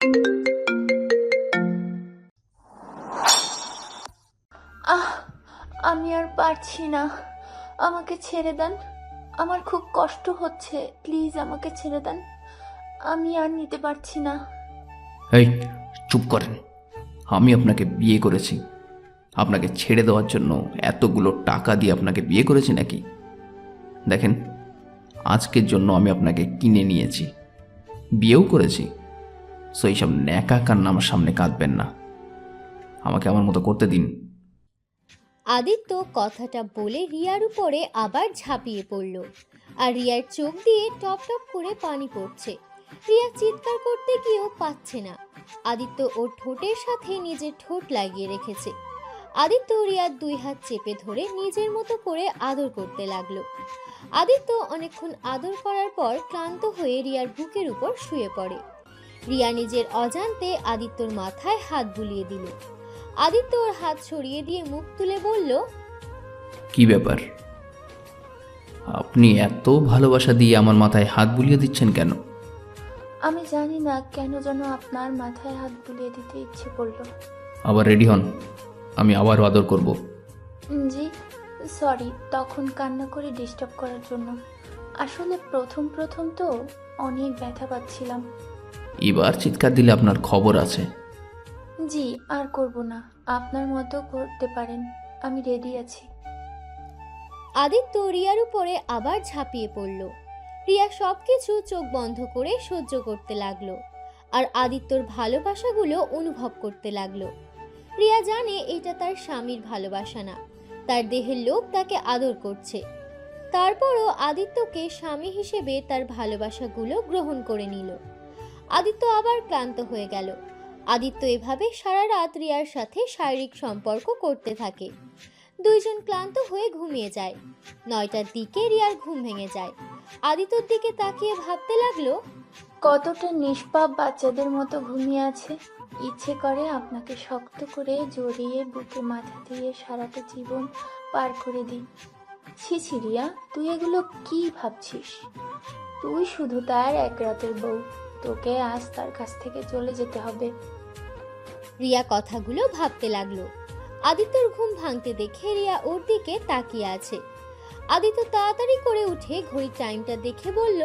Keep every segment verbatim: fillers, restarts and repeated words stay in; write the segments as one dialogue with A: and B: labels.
A: আহ আমি আর পারছি না, আমাকে ছেড়ে দেন। আমার খুব কষ্ট হচ্ছে, প্লিজ আমাকে ছেড়ে দেন, আমি আর নিতে পারছি না।
B: এই চুপ করেন। আমি আপনাকে বিয়ে করেছি। আপনাকে ছেড়ে দেওয়ার জন্য এতগুলো টাকা দিয়ে আপনাকে বিয়ে করেছি নাকি? দেখেন, আজকের জন্য আমি আপনাকে কিনে নিয়েছি, বিয়েও করেছি। সো এইসব ন্যাকা কান্না আমার সামনে কাঁদবেন না। আমাকে আমার মতো করতে দিন।
C: আদিত্য কথাটা বলে রিয়ার উপরে আবার ঝাঁপিয়ে পড়ল, আর রিয়ার চোখ দিয়ে টপ টপ করে পানি পড়ছে। রিয়া চিৎকার করতে গিয়েও পাচ্ছে না। আদিত্য ওর ঠোঁটের সাথে নিজের ঠোঁট লাগিয়ে রেখেছে। আদিত্য রিয়ার দুই হাত চেপে ধরে নিজের মতো করে আদর করতে লাগলো। আদিত্য অনেকক্ষণ আদর করার পর ক্লান্ত হয়ে রিয়ার বুকের উপর শুয়ে পড়ে। রিয়া নিজের অজান্তে আদিত্যর মাথায় হাত বুলিয়ে দিল। আদিত্য ওর হাত সরিয়ে দিয়ে মুখ তুলে বলল,
B: কি ব্যাপার? আপনি এত ভালোবাসা দিয়ে আমার মাথায় হাত বুলিয়ে দিচ্ছেন কেন?
A: আমি জানি না কেন যেন আপনার মাথায় হাত বুলিয়ে দিতে ইচ্ছে করলো।
B: আবার রেডি হন, আমি আবারও আদর করব।
A: জি সরি, তখন কান্না করে ডিস্টার্ব করার জন্য। আসলে প্রথম প্রথম তো অনেক ব্যথা পাচ্ছিলাম।
B: এবার চিৎকার দিলে আপনার খবর আছে।
A: জি আর করব না, আপনার মতো করতে পারেন, আমি রেডি আছি।
C: আদিত্য রিয়ার উপরে আবার ঝাঁপিয়ে পড়ল। রিয়া সবকিছু চোখ বন্ধ করে সহ্য করতে লাগলো, আর আদিত্যর ভালোবাসাগুলো অনুভব করতে লাগলো। রিয়া জানে এটা তার স্বামীর ভালোবাসা না, তার দেহের লোক তাকে আদর করছে। তারপরও আদিত্যকে স্বামী হিসেবে তার ভালোবাসাগুলো গ্রহণ করে নিল। আদিত্য আবার ক্লান্ত হয়ে গেল। আদিত্য এভাবে সারা রাত রিয়ার সাথে শারীরিক সম্পর্ক করতে থাকে। দুইজন ক্লান্ত হয়ে ঘুমিয়ে যায়। নয়টার দিকে রিয়ার ঘুম ভেঙে যায়। আদিত্যর দিকে তাকিয়ে ভাবতে লাগলো,
A: কতটা নিষ্পাপ বাচ্চাদের মতো ঘুমিয়ে আছে। ইচ্ছে করে আপনাকে শক্ত করে জড়িয়ে বুকে মাথা দিয়ে সারাটা জীবন পার করে দিই। ছি ছি রিয়া, তুই এগুলো কি ভাবছিস? তুই শুধু তার এক রাতের বউ, তোকে আজ তার কাছ থেকে চলে যেতে হবে।
C: রিয়া কথাগুলো ভাবতে লাগলো। আদিত্যর ঘুম ভাঙতে দেখে রিয়া ওর দিকে তাকিয়ে আছে। আদিত্য তাড়াতাড়ি করে উঠে ঘড়ির টাইমটা দেখে বলল,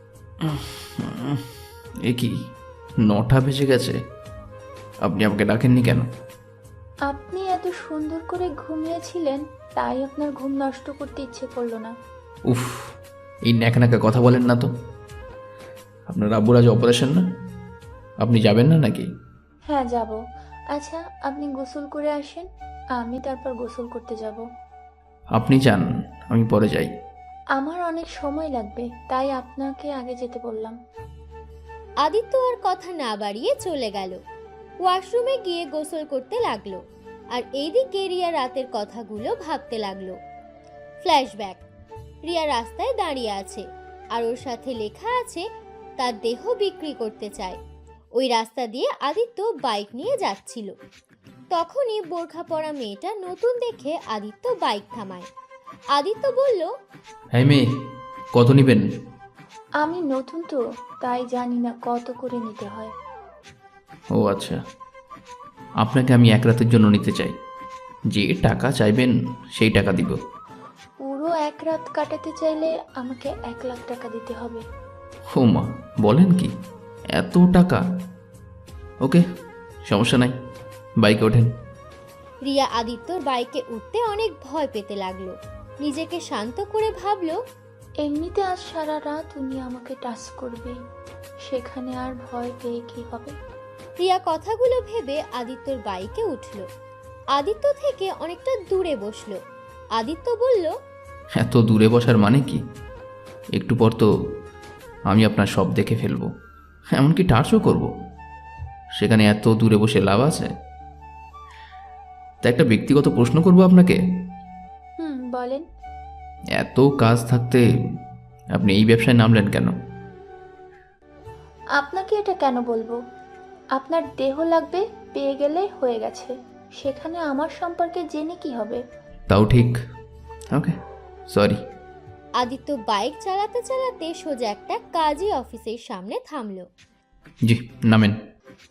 B: এ কি, নটা বেজে গেছে? আপনি আমাকে ডাকেননি কেন?
A: আপনি এত সুন্দর করে ঘুমিয়েছিলেন, তাই আপনার ঘুম নষ্ট করতে ইচ্ছে করলো না।
B: উফ, এই ন্যাকা ন্যাকা কথা বলেন না তো। আপনার আব্বুর আজ অপারেশন না? আপনি যাবেন না নাকি?
A: হ্যাঁ যাব। আচ্ছা আপনি গোসল করে আসেন, আমি তারপর গোসল করতে যাব।
B: আপনি যান, আমি পরে যাই।
A: আমার অনেক সময় লাগবে, তাই আপনাকে আগে যেতে বললাম।
C: আদিত্য আর কথা না বাড়িয়ে চলে গেল। ওয়াশরুমে গিয়ে গোসল করতে লাগলো, আর এইদিকে রিয়া রাতের কথাগুলো ভাবতে লাগলো। ফ্ল্যাশব্যাক। রিয়া রাস্তায় দাঁড়িয়ে আছে, আর ওর সাথে লেখা আছে তার দেহ বিক্রি করতে চায়। ওই রাস্তা দিয়ে আদিত্য বাইক নিয়ে যাচ্ছিল। তখনই বোরখা পরা মেয়েটা নতুন দেখে আদিত্য বাইক থামায়। আদিত্য বলল,
B: হ্যাঁ মেয়ে, কত নিবেন?
A: আমি নতুন তো, তাই জানি না কত করে নিতে হয়।
B: ও আচ্ছা, আপনাকে আমি এক রাতের জন্য নিতে চাই। যে টাকা চাইবেন সেই টাকা দিব।
A: পুরো এক রাত কাটাতে চাইলে আমাকে এক লাখ টাকা দিতে হবে।
B: ও মা, বলেন কি, এত টাকা? ওকে, সমস্যা নাই, বাইকে ওঠেন।
C: রিয়া আদিত্যর বাইকে উঠতে অনেক ভয় পেতে লাগলো। নিজেকে শান্ত করে ভাবলো,
A: এমনিতে আজ সারা রাত উনি আমাকে টাচ করবে, সেখানে আর ভয় পেয়ে কি হবে।
C: রিয়া কথাগুলো ভেবে আদিত্যর বাইকে উঠল। আদিত্য থেকে অনেকটা দূরে বসলো। আদিত্য বলল,
B: এত দূরে বসার মানে কি? একটু পর তো আমি আপনার সব দেখে ফেলবো, এমনকি টাচও করব। সেখানে এত দূরে বসে লাভ আছে? তা একটা ব্যক্তিগত প্রশ্ন করব আপনাকে।
A: হুম বলেন।
B: এত কাজ থাকতে আপনি এই ব্যবসায় নামলেন কেন?
A: আপনাকে এটা কেন বলবো? আপনার দেহ লাগবে, পেয়ে গেলে হয়ে গেছে, সেখানে আমার সম্পর্কে জেনে কি হবে?
B: তাও ঠিক। ওকে, সরি।
C: আদিত্য বাইক চালাতে চালাতে সোজা একটা কাজী অফিসের সামনে থামলো।
B: জি, নামেন।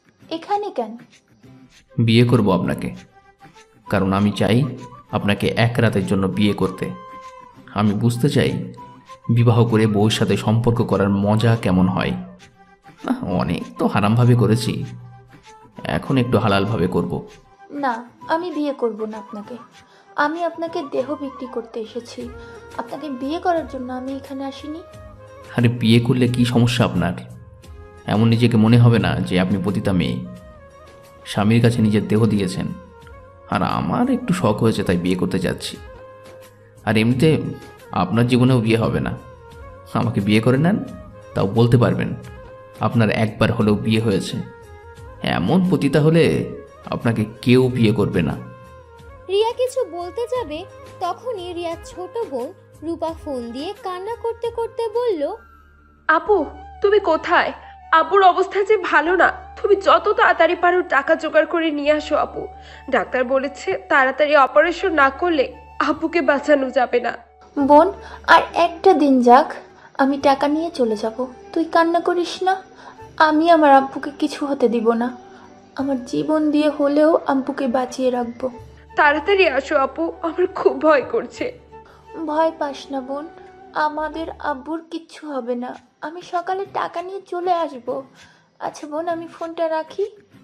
A: কেন?
B: বিয়ে করব আপনাকে, কারণ আমি চাই আপনাকে এক রাতের জন্য বিয়ে করতে। আমি বুঝতে চাই বিবাহ করে বউর সাথে সম্পর্ক করার মজা কেমন হয়। না, অনেক তো হারামভাবে করেছি, এখন একটু হালালভাবে করব।
A: না, আমি বিয়ে করব না আপনাকে। আমি আপনাকে দেহ বিক্রি করতে এসেছি, আপনাকে বিয়ে করার জন্য আমি এখানে আসিনি।
B: আরে বিয়ে করলে কি সমস্যা আপনার? এমন নিজেকে মনে হবে না যে আপনি পতিতা মেয়ে। স্বামীর কাছে নিজের দেহ দিয়েছেন, আর আমার একটু শখ হয়েছে তাই বিয়ে করতে যাচ্ছি। আর এমনিতে আপনার জীবনেও বিয়ে হবে না। আমাকে বিয়ে করে নেন, তাও বলতে পারবেন আপনার একবার হলেও বিয়ে হয়েছে। এমন পতিতা হলে আপনাকে কেউ বিয়ে করবে না।
C: রিয়া কিছু বলতে যাবে, তখনই রিয়ার ছোট বোন রূপা ফোন দিয়ে কান্না করতে করতে বলল,
D: আপু, তুমি কোথায়? আব্বুর অবস্থা যে ভালো না, তুমি যত তাড়াতাড়ি পারো টাকা জোগাড় করে নিয়ে আসো আপু। ডাক্তার বলেছে তাড়াতাড়ি অপারেশন না করলে আব্বুকে বাঁচানো যাবে না।
A: বোন, আর একটা দিন যাক, আমি টাকা নিয়ে চলে যাব। তুই কান্না করিস না। আমি আমার আব্বুকে কিছু হতে দিব না। আমার জীবন দিয়ে হলেও আব্বুকে বাঁচিয়ে রাখবো।
D: তাড়াতাড়ি আসো আপু, আমার খুব ভয় করছে।
A: ভয় পাস না বোন, আমাদের আব্বুর কিচ্ছু হবে না। আমি সকালে টাকা নিয়ে চলে আসব। আচ্ছা বোন, আমি ফোনটা রাখি।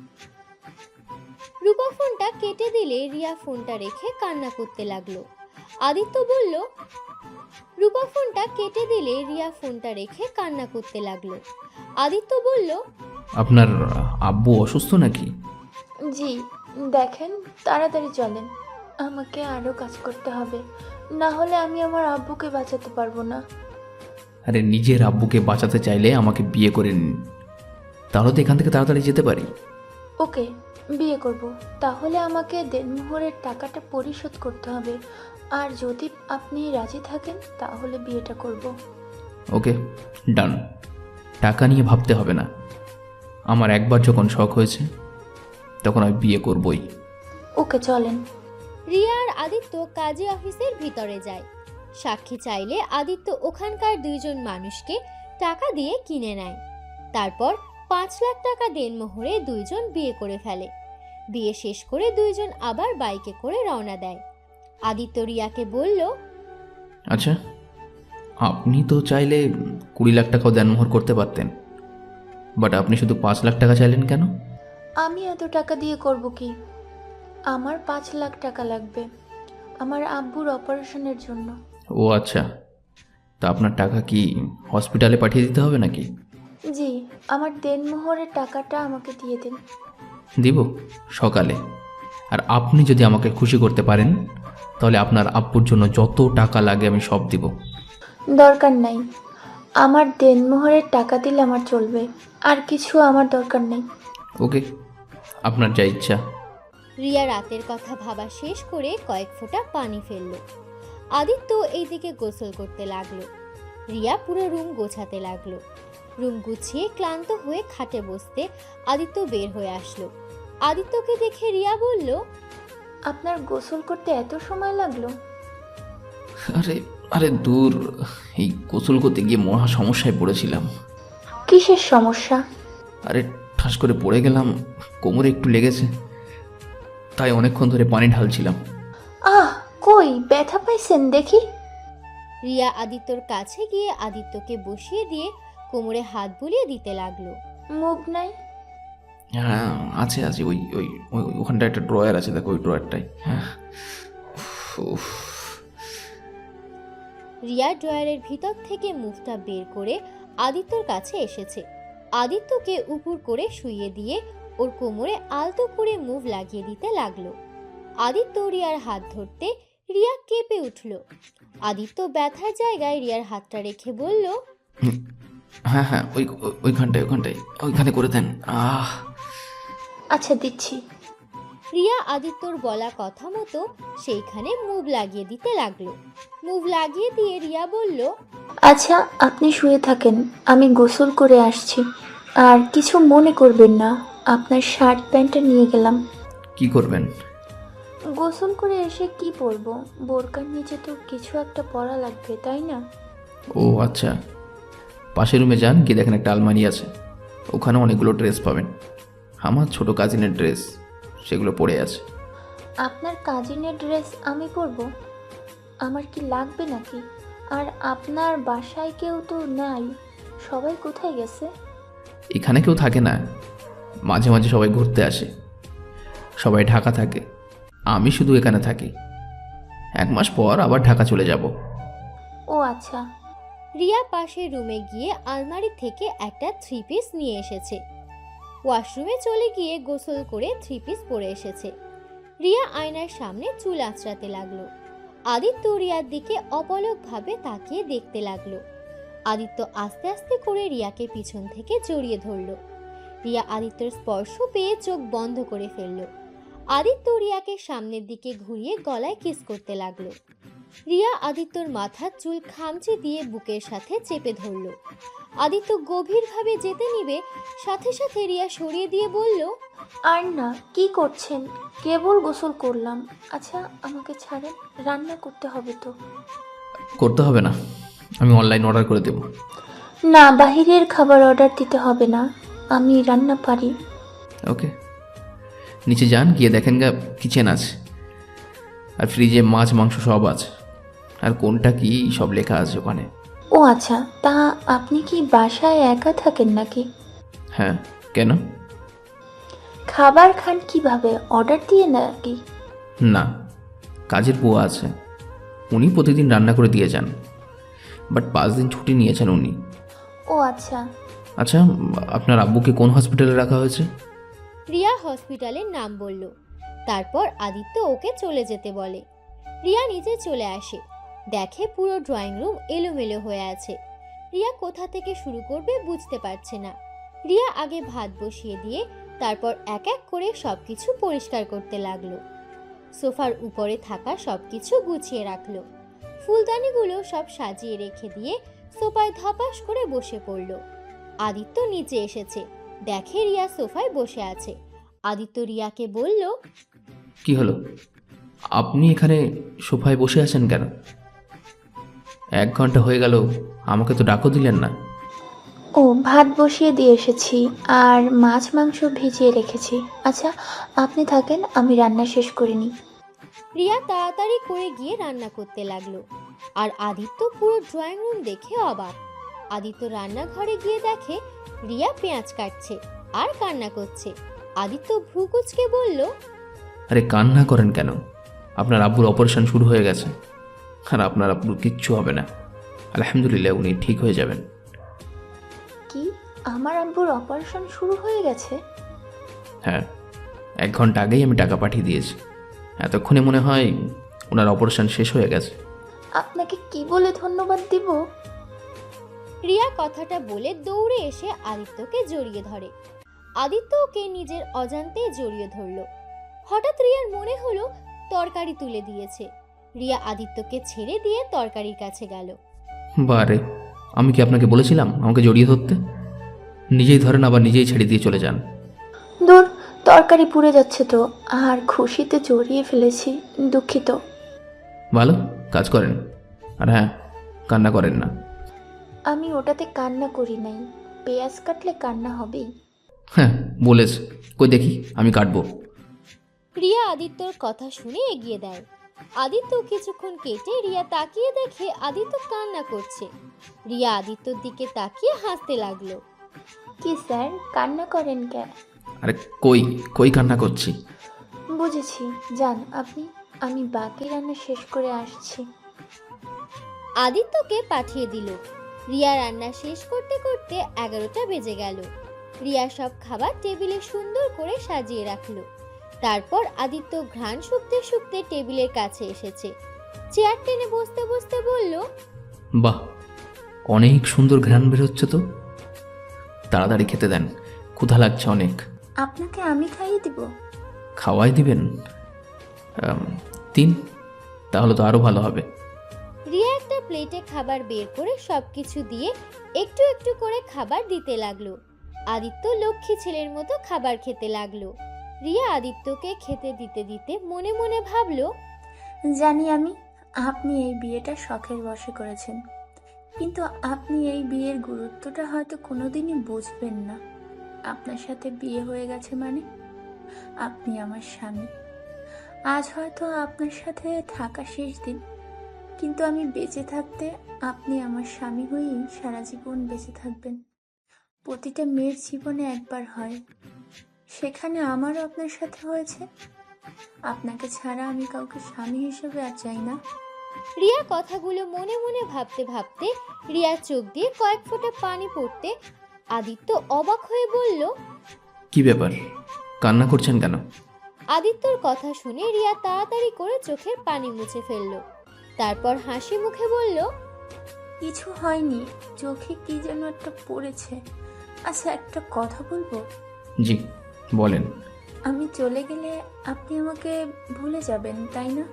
C: রূপা ফোনটা কেটে দিলে রিয়া ফোনটা রেখে কান্না করতে লাগলো। আদিত্য বলল, রূপা ফোনটা কেটে দিলে রিয়া ফোনটা রেখে কান্না করতে লাগলো। আদিত্য বলল,
B: আপনার আব্বু অসুস্থ নাকি?
A: জি, দেখেন, তাড়াতাড়ি চলেন। আমাকে আরও কাজ করতে হবে, না হলে আমি আমার আব্বুকে বাঁচাতে পারবো না।
B: আরে নিজের আব্বুকে বাঁচাতে চাইলে আমাকে বিয়ে করে নিন, তাহলে তো এখান থেকে তাড়াতাড়ি যেতে পারি।
A: ওকে, বিয়ে করব। তাহলে আমাকে দেনমোহরের টাকাটা পরিশোধ করতে হবে, আর যদি আপনি রাজি থাকেন তাহলে বিয়েটা করব।
B: ওকে, ডান। টাকা নিয়ে ভাবতে হবে না। আমার একবার যখন শখ হয়েছে তখন আমি বিয়ে করবই।
A: ওকে, চলেন।
C: রিয়া আর আদিত্য কাজী অফিসের ভিতরে যায়। সাক্ষী চাইলে আদিত্য ওখানকার দুইজন মানুষকে টাকা দিয়ে কিনে নেয়। তারপর পাঁচ লাখ টাকা দেনমোহরে দুইজন বিয়ে করে ফেলে। বিয়ে শেষ করে দুইজন আবার বাইকে করে রওনা দেয়। আদিত্য রিয়াকে বলল,
B: আচ্ছা, আপনি তো চাইলে কুড়ি লাখ টাকাও দেনমোহর করতে পারতেন, বাট আপনি শুধু পাঁচ লাখ টাকা চাইলেন কেন?
A: আমি এত টাকা দিয়ে করব কি? আমার পাঁচ লাখ টাকা লাগবে আমার আব্বুর অপারেশনের জন্য।
B: ও আচ্ছা, তা আপনার টাকা কি হসপিটালে পাঠিয়ে দিতে হবে নাকি?
A: জি, আমার দেনমোহরের টাকাটা আমাকে দিয়ে দিন।
B: দিব সকালে। আর আপনি যদি আমাকে খুশি করতে পারেন তাহলে আপনার আব্বুর জন্য যত টাকা লাগে আমি সব দিব।
A: দরকার নাই, আমার দেনমোহরের টাকা দিলে আমার চলবে, আর কিছু আমার দরকার নেই।
B: ওকে, আপনার যা ইচ্ছা।
C: রিয়া রাতের কথা ভাবা শেষ করে কয়েক ফোঁটা পানি ফেলল। আদিত্য এইদিকে গোসল করতে লাগলো। রিয়া পুরো রুম গোছাতে লাগলো। রুম গুছিয়ে ক্লান্ত হয়ে খাটে বসতে আদিত্য বের হয়ে আসলো। আদিত্যকে দেখে রিয়া বলল,
A: আপনার গোসল করতে এত সময় লাগলো?
B: আরে আরে দূর, এই গোসল করতে গিয়ে মহা সমস্যায় পড়েছিলাম।
A: কিসের সমস্যা?
B: আরে ঠাস করে পড়ে গেলাম, কোমরে একটু লেগেছে, তাই অনেকক্ষণ ধরে পানি ঢালছিলাম।
A: আহ, কই ব্যথা পাইছেন দেখি?
C: রিয়া আদিত্যর কাছে গিয়ে আদিত্যকে বসিয়ে দিয়ে কোমরে হাত বুলিয়ে দিতে লাগলো।
A: মুভ নাই?
B: হ্যাঁ আছে আছে, ওই ওই ওই ওখানটা একটা ড্রয়ার আছে, দেখো ওই ড্রয়ারটাই। হ্যাঁ, উফ।
C: রিয়া ড্রয়ারের ভিতর থেকে মুখটা বের করে আদিত্যর কাছে এসেছে। আদিত্যকে উপর করে শুইয়ে দিয়ে ওর কোমরে আলতো করে মুভ লাগিয়ে দিতে লাগলো। আদিত্য রিয়ার হাত ধরতে রিয়া কেঁপে উঠল। আদিত্য ব্যথার জায়গায় রিয়ার হাতটা রেখে বলল,
B: হ্যাঁ হ্যাঁ, ওই ওই- ওইখানটায় ওইখানটায় ওইখানে করে দেন। আহ
A: আচ্ছা, দিচ্ছি।
C: রিয়া আদিত্যর বলা কথা মতো সেইখানে মুভ লাগিয়ে দিতে লাগলো। মুভ লাগিয়ে দিয়ে রিয়া বলল,
A: আচ্ছা, আপনি শুয়ে থাকেন, আমি গোসল করে আসছি। আর কিছু মনে করবেন না, আপনার শার্ট প্যান্টটা নিয়ে গেলাম।
B: কি করবেন?
A: গোসল করে এসে কি পরবো? বোরকার নিচে তো কিছু একটা পরা লাগবে, তাই না?
B: ও আচ্ছা, পাশের রুমে যান, গিয়ে দেখেন একটা আলমারি আছে, ওখানে অনেকগুলো ড্রেস পাবেন। আমার ছোট কাজিনের ড্রেস, সেগুলো পড়ে আছে।
A: আপনার কাজিনের ড্রেস আমি পরবো? আমার কি লাগবে নাকি? আর আপনার বাসায় কেউ তো নাই, সবাই কোথায় গেছে?
B: এখানে কেউ থাকে না, মাঝে মাঝে সবাই ঘুরতে আসে। সবাই ঢাকা থাকে, আমি শুধু এখানে থাকি। এক মাস পর আবার ঢাকা চলে যাব।
A: ও আচ্ছা।
C: রিয়া পাশের রুমে গিয়ে আলমারি থেকে একটা থ্রি পিস নিয়ে এসেছে। ওয়াশরুমে চলে গিয়ে গোসল করে থ্রি পিস পরে এসেছে। রিয়া আয়নার সামনে চুল আঁচড়াতে লাগলো। আদিত্য রিয়ার দিকে অপলকভাবে তাকিয়ে দেখতে লাগলো। আদিত্য আস্তে আস্তে করে রিয়াকে পিছন থেকে জড়িয়ে ধরলো। রিয়া আদিত্যর স্পর্শ পেয়ে চোখ বন্ধ করে ফেলল। আদিত্য রিয়াকে সামনের দিকে ঘুরিয়ে গলায় কিস করতে লাগলো। রিয়া আদিত্যর মাথার চুল খামচি দিয়ে বুকের সাথে চেপে ধরল। আদিত্য গভীরভাবে যেতে নিবে, সাথে সাথে রিয়া সরিয়ে দিয়ে বলল,
A: আর না, কি করছেন? কেবল গোসল করলাম। আচ্ছা আমাকে ছাড়েন, রান্না করতে হবে তো।
B: করতে হবে না, আমি অনলাইন অর্ডার করে দেব।
A: না, বাহিরের খাবার অর্ডার দিতে হবে না, আমি রান্না পারি।
B: ওকে, নিচে যান, গিয়ে দেখেন গা কিচেন আছে, আর ফ্রিজে মাছ মাংস সব আছে, আর কোনটা কি সব লেখা আছে ওখানে।
A: ও আচ্ছা, তা আপনি কি বাসায় একা থাকেন নাকি?
B: হ্যাঁ, কেন?
A: খাবার খান কিভাবে, অর্ডার দিয়ে নাকি?
B: না, কাজের বুয়া আছে, উনি প্রতিদিন রান্না করে দিয়ে যান, বাট পাঁচ দিন ছুটি নিয়েছেন উনি।
A: ও আচ্ছা।
B: আচ্ছা, আপনার আব্বুকে কোন হসপিটালে রাখা হয়েছে?
C: রিয়া হসপিটালের নাম বলল। তারপর আদিত্য ওকে চলে যেতে বলে। রিয়া নিচে চলে আসে, দেখে পুরো ড্রয়িং রুম এলোমেলো হয়ে আছে। রিয়া কোথা থেকে শুরু করবে বুঝতে পারছে না। রিয়া আগে ভাত বসিয়ে দিয়ে তারপর এক এক করে সবকিছু পরিষ্কার করতে লাগলো। সোফার উপরে থাকা সবকিছু গুছিয়ে রাখলো। ফুলদানিগুলো সব সাজিয়ে রেখে দিয়ে সোফায় ধপাস করে বসে পড়ল। আদিত্য নিচে এসেছে, দেখে রিয়া সোফায় বসে আছে। আদিত্য রিয়াকে বলল,
B: কি হলো, আপনি এখানে সোফায় বসে আছেন কেন? এক ঘন্টা হয়ে গেল, আমাকে তো ডাকও দিলেন না।
A: ও, ভাত বসিয়ে দিয়ে এসেছি আর মাছ মাংস ভিজিয়ে রেখেছি। আচ্ছা আপনি থাকেন, আমি রান্না শেষ করে নিই।
C: রিয়া তাড়াতাড়ি করে গিয়ে রান্না করতে লাগলো। আর আদিত্য পুরো ড্রয়িং রুম দেখে অবাক। আদিত্য রান্নাঘরে গিয়ে দেখে রিয়া পেঁয়াজ কাটছে আর কান্না করছে। আদিত্য ভ্রু কুঁচকে বলল,
B: আরে কান্না করেন কেন? আপনার আব্বুর অপারেশন শুরু হয়ে গেছে, আর আপনার আব্বুর কিচ্ছু হবে না, আলহামদুলিল্লাহ, উনি ঠিক হয়ে যাবেন।
A: কি, আমার আব্বুর অপারেশন শুরু হয়ে গেছে?
B: হ্যাঁ, এক ঘন্টা আগেই আমি টাকা পাঠিয়ে দিয়েছি। এতক্ষণে মনে হয় ওনার অপারেশন শেষ হয়ে গেছে।
A: আপনাকে কি বলে ধন্যবাদ দিব?
C: রিয়া কথাটা বলে দৌড়ে এসে আদিত্যকে জড়িয়ে ধরে। আদিত্য ওকে নিজের অজান্তে জড়িয়ে ধরল। হঠাৎ রিয়ার মনে হলো তরকারি তুলে দিয়েছে। রিয়া আদিত্যকে ছেড়ে দিয়ে তরকারির কাছে গেল।
B: বারে, আমি কি আপনাকে বলেছিলাম আমাকে জড়িয়ে ধরতে? নিজেই ধরেন, আবার নিজেই ছেড়ে দিয়ে চলে যান।
A: দূর, তরকারি পুড়ে যাচ্ছে তো, আর খুশিতে জড়িয়ে ফেলেছি, দুঃখিত।
B: ভালো কাজ করেন, আর হ্যাঁ, কান্না করেন না।
A: আমি ওটাতে কান্না করি নাই, পেঁয়াজ কাটলে কান্না হবেই।
B: হ্যাঁ বলেছে, কই দেখি আমি কাটবো।
C: রিয়া আদিত্যর কথা শুনে এগিয়ে দেয়। আদিত্য কিছুক্ষণ কেটে রিয়া তাকিয়ে দেখে আদিত্য কান্না করছে। রিয়া আদিত্যর দিকে তাকিয়ে হাসতে লাগলো।
A: কি স্যার, কান্না করেন কেন?
B: আরে কই কই কান্না করছি?
A: বুঝেছি, যান আপনি, আমি বাকি রান্না শেষ করে আসছি।
C: আদিত্যকে পাঠিয়ে দিল। রিয়া রান্না শেষ করতে করতে এগারোটা বেজে গেল। রিয়া সব খাবার টেবিলে সুন্দর করে সাজিয়ে রাখলো। তারপর আদিত্য ঘ্রাণ শুকতে শুকতে টেবিলের কাছে এসেছে। চেয়ার টেনে বসতে বসতে বলল,
B: বাহ, অনেক সুন্দর ঘ্রাণ বেরোচ্ছে তো। তাড়াতাড়ি খেতে দেন, ক্ষুধা লাগছে অনেক।
A: আপনাকে আমি খাইয়ে দিব?
B: খাওয়াই দিবেন? আম, তিন, তাহলে তো আরও ভালো হবে।
C: রিয়া একটা প্লেটে খাবার বের করে সবকিছু দিয়ে একটু একটু করে খাবার দিতে লাগলো। আদিত্য লক্ষ্মী ছেলের মতো খাবার খেতে লাগলো। রিয়া আদিত্যকে খেতে দিতে দিতে মনে মনে ভাবলো,
A: জানি আমি, আপনি এই বিয়েটা শখের বশে করেছেন, কিন্তু আপনি এই বিয়ের গুরুত্বটা হয়তো কোনোদিনই বুঝবেন না। আপনার সাথে বিয়ে হয়ে গেছে মানে আপনি আমার স্বামী। আজ হয়তো আপনার সাথে থাকা শেষ দিন, কিন্তু আমি বেঁচে থাকতে আপনি আমার স্বামী হয়েই সারা জীবন বেঁচে থাকবেন। প্রতিটা মেয়ের জীবনে একবার হয়, সেখানে আমারও আপনার সাথে হয়েছে। আপনাকে ছাড়া আমি কাউকে স্বামী হিসেবে আর চাই না।
C: রিয়া কথাগুলো মনে মনে ভাবতে ভাবতে রিয়ার চোখ দিয়ে কয়েক ফোঁটা পানি পড়তে আদিত্য অবাক হয়ে বলল,
B: কি ব্যাপার, কান্না করছেন কেন?
C: আদিত্যর কথা শুনে রিয়া তাড়াতাড়ি করে চোখের পানি মুছে ফেলল। তারপর হাসি মুখে বলল,
A: কিছু হয়নি, চোখে কি যেন একটা পড়েছে। আচ্ছা, একটা কথা বলবো?
B: জি বলেন।
A: আমি চলে গেলে আপনি আমাকে ভুলে যাবেন, তাই না?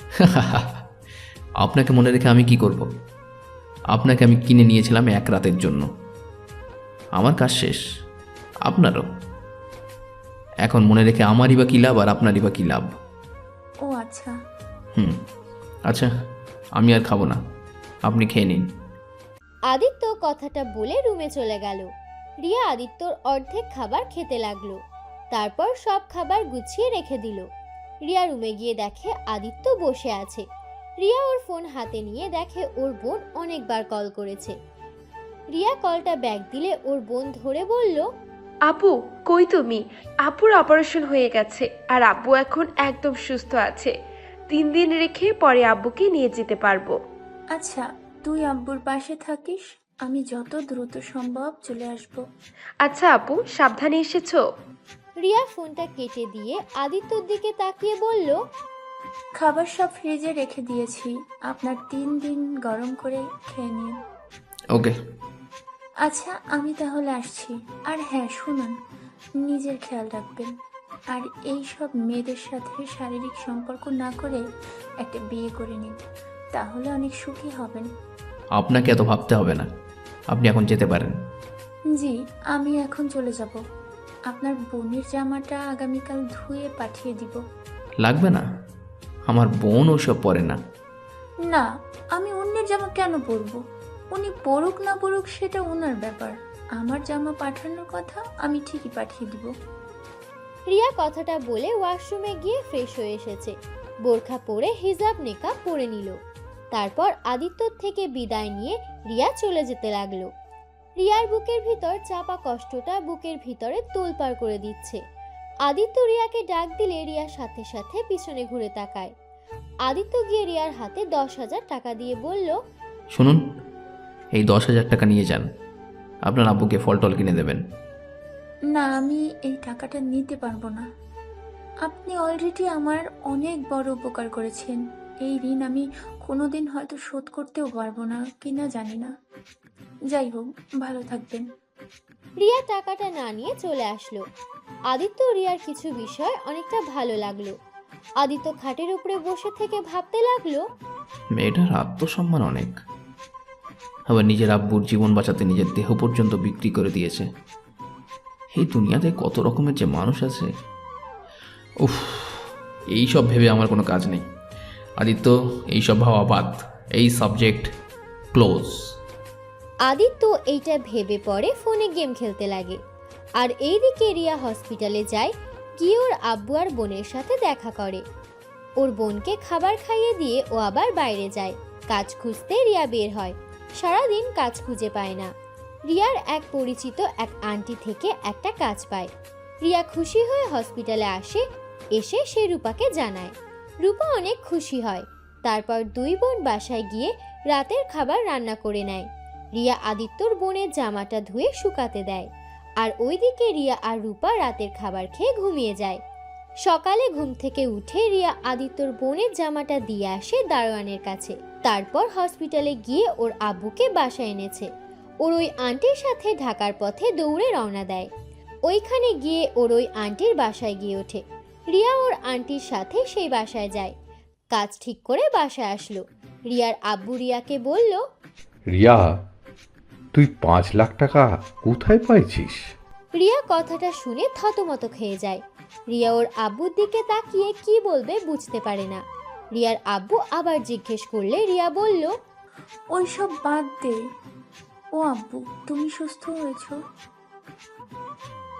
B: আপনাকে মনে রেখে আমি কি করব? আপনাকে আমি কিনে নিয়েছিলাম এক রাতের জন্য। আমার কাজ শেষ, আপনারও। এখন মনে রেখে আমারই বা কী লাভ আর আপনারই বা কী লাভ?
A: ও আচ্ছা।
B: হুম আচ্ছা, আমি আর খাবো না, আপনি খেয়ে নিন।
C: আদিত্য কথাটা বলে রুমে চলে গেল। রিয়া আদিত্যর অর্ধেক খাবার খেতে লাগলো। তারপর সব খাবার গুছিয়ে রেখে দিল। রিয়া রুমে গিয়ে দেখে আদিত্য বসে আছে। রিয়া ওর ফোন হাতে নিয়ে দেখে ওর বোন অনেকবার কল করেছে। রিয়া কলটা ব্যাক দিলে ওর বোন ধরে বলল,
D: আপু কই তুমি? আপুর অপারেশন হয়ে গেছে আর আব্বু এখন একদম সুস্থ আছে। তিন দিন রেখে পরে আব্বুকে নিয়ে যেতে পারবো।
A: আচ্ছা, তুই আব্বুর পাশে থাকিস, আমি যত দ্রুত সম্ভব চলে আসব।
D: আচ্ছা আপু, সাবধানে এসেছো?
C: রিয়া ফোনটা কেটে দিয়ে আদিত্যর দিকে তাকিয়ে বলল,
A: খাবার সব ফ্রিজে রেখে দিয়েছি, আপনার তিন দিন গরম করে খেয়ে নিন।
B: ওকে।
A: আচ্ছা, আমি তাহলে আসছি। আর হ্যাঁ শুনুন, নিজের খেয়াল রাখবেন। আর এই সব মেয়েদের সাথে শারীরিক সম্পর্ক না করে একটা বিয়ে করে নিন, তাহলে অনেক সুখী হবেন।
B: আপনাকে এত ভাবতে হবে না, আপনি এখন যেতে পারেন।
A: জি, আমি এখন চলে যাব। আপনার বোনের জামাটা আগামীকাল ধুয়ে পাঠিয়ে দিব।
B: লাগবে না, আমার বোন ওসব পরে না।
A: না, আমি অন্যের জামা কেন পরবো? উনি পরুক না পরুক সেটা ওনার ব্যাপার। আমার জামা পাঠানোর কথা আমি ঠিকই পাঠিয়ে দিব।
C: রিয়া কথাটা বলে ওয়াশরুমে গিয়ে ফ্রেশ হয়ে এসেছে। বোরখা পরে হিজাব নেকাব পরে নিল। তারপর আদিত্যর থেকে বিদায় নিয়ে রিয়া চলে যেতে লাগলো। রিয়ার বুকের ভিতর চাপা কষ্টটা বুকের ভিতরে তোলপাড় করে দিচ্ছে। আদিত্য রিয়াকে ডাক দিলে রিয়ার সাথে সাথে পিছনে ঘুরে তাকায়। আদিত্য গিয়ে রিয়ার হাতে দশ হাজার টাকা দিয়ে বলল,
B: শুনুন, এই দশ হাজার টাকা নিয়ে যান, আপনার আব্বুকে ফল টল কিনে দেবেন।
A: না, আমি এই টাকাটা নিতে পারবো না। আপনি অলরেডি আমার অনেক বড় উপকার করেছেন। এই ঋণ আমি কোনোদিন হয়তো শোধ করতেও পারবো না কিনা জানি না। যাই হোক, ভালো থাকবেন।
C: রিয়া টাকাটা না নিয়ে চলে আসলো। আদিত্য রিয়ার কিছু বিষয় অনেকটা ভালো লাগলো। আদিত্য খাটের উপরে বসে থেকে ভাবতে লাগলো,
B: মেয়েটার আত্মসম্মান অনেক, আবার নিজের আব্বুর জীবন বাঁচাতে নিজের দেহ পর্যন্ত বিক্রি করে দিয়েছে। এই দুনিয়াতে কত রকমের যে মানুষ আছে। উফ, এইসব ভেবে আমার কোনো কাজ নেই। আদিত্য, এইসব ভাবা বাদ, এই সাবজেক্ট ক্লোজ।
C: আদিত্য এইটা ভেবে পরে ফোনে গেম খেলতে লাগে। আর এইদিকে রিয়া হসপিটালে যায়, গিয়ে ওর আব্বু আর বোনের সাথে দেখা করে। ওর বোনকে খাবার খাইয়ে দিয়ে ও আবার বাইরে যায়। কাজ খুঁজতে রিয়া বের হয়। সারাদিন কাজ খুঁজে পায় না। রিয়ার এক পরিচিত এক আন্টি থেকে একটা কাজ পায়। রিয়া খুশি হয়ে হসপিটালে আসে। এসে সে রূপাকে জানায়। রূপা অনেক খুশি হয়। তারপর দুই বোন বাসায় গিয়ে রাতের খাবার রান্না করে নেয়। রিয়া আদিত্যর বোনের জামাটা ধুয়ে শুকাতে দেয়। আর ওইদিকে রিয়া আর রূপা রাতের খাবার খেয়ে ঘুমিয়ে যায়। সকালে ঘুম থেকে উঠে রিয়া আদিত্যর বোনের জামাটা দিয়ে আসে দারোয়ানের কাছে। তারপর হসপিটালে গিয়ে ওর আব্বুকে বাসায় এনেছে। ওর ওই আন্টির সাথে ঢাকার পথে দৌড়ে রওনা দেয়। ওইখানে গিয়ে ওর ওই আন্টির বাসায় গিয়ে ওঠে। রিয়া ওর আন্টির সাথে সেই বাসায় যায়। কাজ ঠিক করে বাসায় আসলো। রিয়ার আব্বু রিয়াকে বলল,
E: রিয়া, তুই পাঁচ লাখ টাকা কোথায় পাইছিস?
C: রিয়া কথাটা শুনে থতমত খেয়ে যায়। রিয়া ওর আব্বুর দিকে তাকিয়ে কি বলবে বুঝতে পারে না। রিয়ার আব্বু আবার জিজ্ঞেস করলে রিয়া বলল,
A: ওইসব বাদ দে। ও আব্বু, তুমি সুস্থ হয়েছো?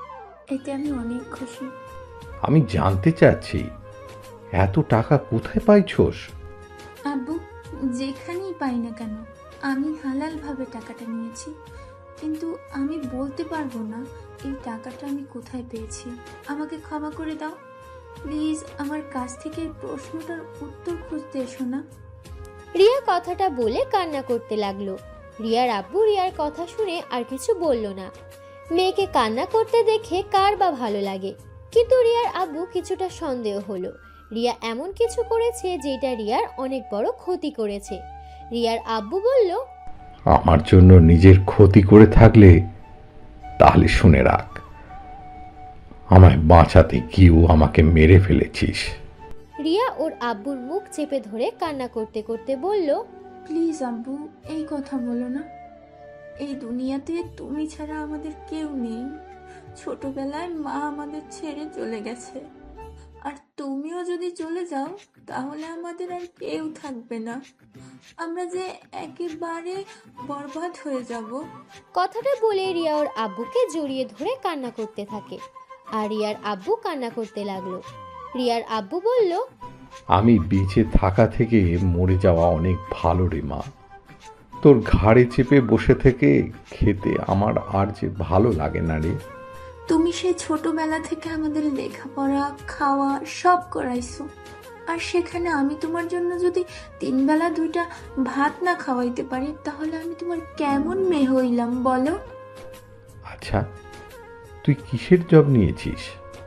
A: এতে আমি অনেক খুশি।
E: আমি জানতে চাচ্ছি এত টাকা কোথায় পাইছোস?
A: আব্বু, যেখানেই পাই না কেন আমি হালালভাবে টাকাটা নিয়েছি, কিন্তু আমি বলতে পারবো না এই টাকাটা আমি কোথায় পেয়েছি। আমাকে ক্ষমা করে দাও প্লিজ। আমার কাছ থেকে এই প্রশ্নটার উত্তর খুঁজতে এসো না।
C: রিয়া কথাটা বলে কান্না করতে লাগলো। রিয়ার আব্বু রিয়ার কথা শুনে আর কিছু বলল না। মেয়েকে কান্না করতে দেখে কার বা ভালো লাগে, কিন্তু রিয়ার আব্বু কিছুটা সন্দেহ হলো রিয়া এমন কিছু করেছে যেটা রিয়ার অনেক বড় ক্ষতি করেছে। রিয়ার আব্বু বলল,
E: আমার জন্য নিজের ক্ষতি করে থাকলে তাহলে শুনে রাখ, আমায় বাঁচাতে গিয়েও আমাকে মেরে ফেলেছিস।
C: রিয়া ওর আব্বুর মুখ চেপে ধরে কান্না করতে করতে বলল,
A: প্লিজ আব্বু, এই কথা বলো না। এই দুনিয়াতে তুমি ছাড়া আমাদের কেউ নেই। ছোটবেলায় মা আমাদের ছেড়ে চলে গেছে, আর তুমিও যদি চলে যাও তাহলে আমাদের আর কেউ থাকবে না। আমরা যে একেবারে বরবাদ হয়ে যাব।
C: কথাটা বলে রিয়া ওর আব্বুকে জড়িয়ে ধরে কান্না করতে থাকে, আর রিয়ার আব্বু কান্না করতে লাগলো। রিয়ার আব্বু বলল,
E: আমি বেঁচে থাকা থেকে মরে যাওয়া অনেক ভালো রে মা। তোর ঘাড়ে চেপে বসে থেকে খেতে আমার আর যে ভালো লাগে না রে।
A: তুমি সেই ছোটবেলা থেকে আমাদের লেখাপড়া খাওয়া সব করাইছো, আর সেখানে আমি তোমার জন্য যদি তিন বেলা দুইটা ভাত না খাওয়াইতে পারি তাহলে আমি তোমার কেমন মেয়ে হইলাম বলো?
E: আচ্ছা, তুই কিসের জব নিয়েছিস?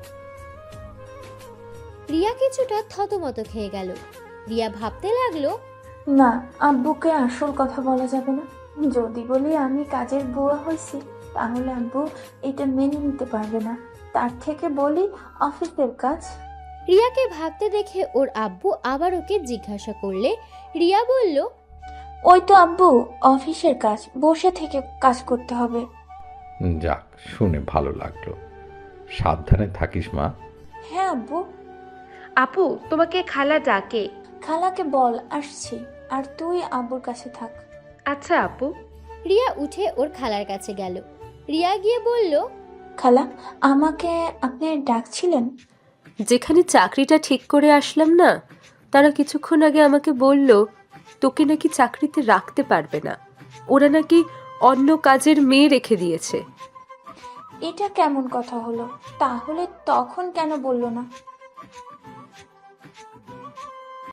C: রিয়া কিছুটা থতমত খেয়ে গেল। রিয়া ভাবতে লাগলো,
A: না, আব্বুকে আসল কথা বলা যাবে না। যদি বলি আমি কাজের বুয়া হয়েছি তাহলে আব্বু এটা মেনে নিতে পারবে না। তার থেকে বলি অফিসের কাজ।
C: রিয়াকে ভাবতে দেখে ওর আব্বু আবার ওকে জিজ্ঞাসা করলে রিয়া বলল,
A: ওই তো আব্বু, অফিসের কাজ, বসে থেকে কাজ করতে হবে।
E: যাক, শুনে ভালো লাগলো। সাবধানে থাকিস মা।
A: হ্যাঁ আব্বু।
D: আপু, তোমাকে খালা ডাকে।
A: খালাকে বল আসছি, আর তুই আব্বুর কাছে থাক।
D: আচ্ছা আপু।
C: রিয়া উঠে ওর খালার কাছে গেল। রিয়া গিয়ে বলল,
A: খালা, আমাকে আপনি ডাকছিলেন?
F: যেখানে চাকরিটা ঠিক করে আসলাম না, তারা কিছুক্ষণ আগে আমাকে বলল তোকে নাকি চাকরিতে রাখতে পারবে না, ওরা নাকি অন্য কাজের মেয়ে রেখে দিয়েছে।
A: এটা কেমন কথা হলো? তাহলে তখন কেন বললো না?